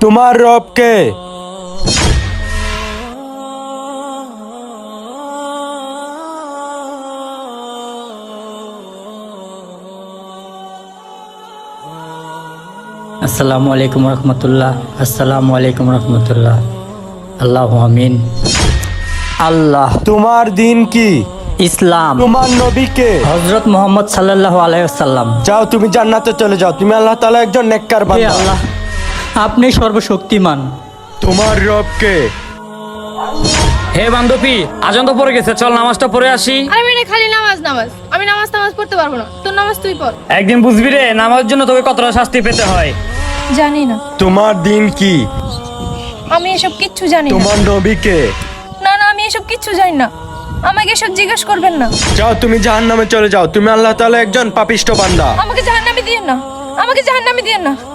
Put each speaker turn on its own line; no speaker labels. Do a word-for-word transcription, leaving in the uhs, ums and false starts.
তোমার রব কে?
আসসালামু আলাইকুম রহমতুল্লাহ। আসসালামু আলাইকুম রহমতুল্লাহ। আল্লাহ আমিন। আল্লাহ।
তোমার দিন কি?
ইসলাম।
তোমার নবী কে?
হযরত মুহাম্মদ সাল্লাল্লাহু আলাইহি ওয়াসাল্লাম।
যাও, তুমি জান্নাতে চলে যাও। তুমি আল্লাহ তাআলা একজন নেককার
হে
বান্দা।
আল্লাহ, আপনি সর্বশক্তিমান।
তোমার রব কে?
হে বান্ধবী, আজান তো পড়ে গেছে, চল নামাজটা পড়ে আসি।
আমি এটা খালি নামাজ নামাজ আমি নামাজ নামাজ পড়তে পারবো না, তোর নামাজ তুই পড়।
একদিন বুঝবি রে, নামাজের জন্য তোকে কতটা শাস্তি পেতে হয়।
জানি না,
তোমার দিন কি?
আমি এসব কিচ্ছু জানি না।
তোমার নবী কে?
না না, আমি এসব কিচ্ছু জানি না, আমাকে এসব জিজ্ঞেস করবেন না।
যাও, তুমি জাহান্নামে চলে যাও। তুমি আল্লাহ তাআলা একজন পাপিষ্ঠ বান্দা।
আমাকে জাহান্নামে দিয়েন না, আমাকে জাহান্নামে দিয়েন না।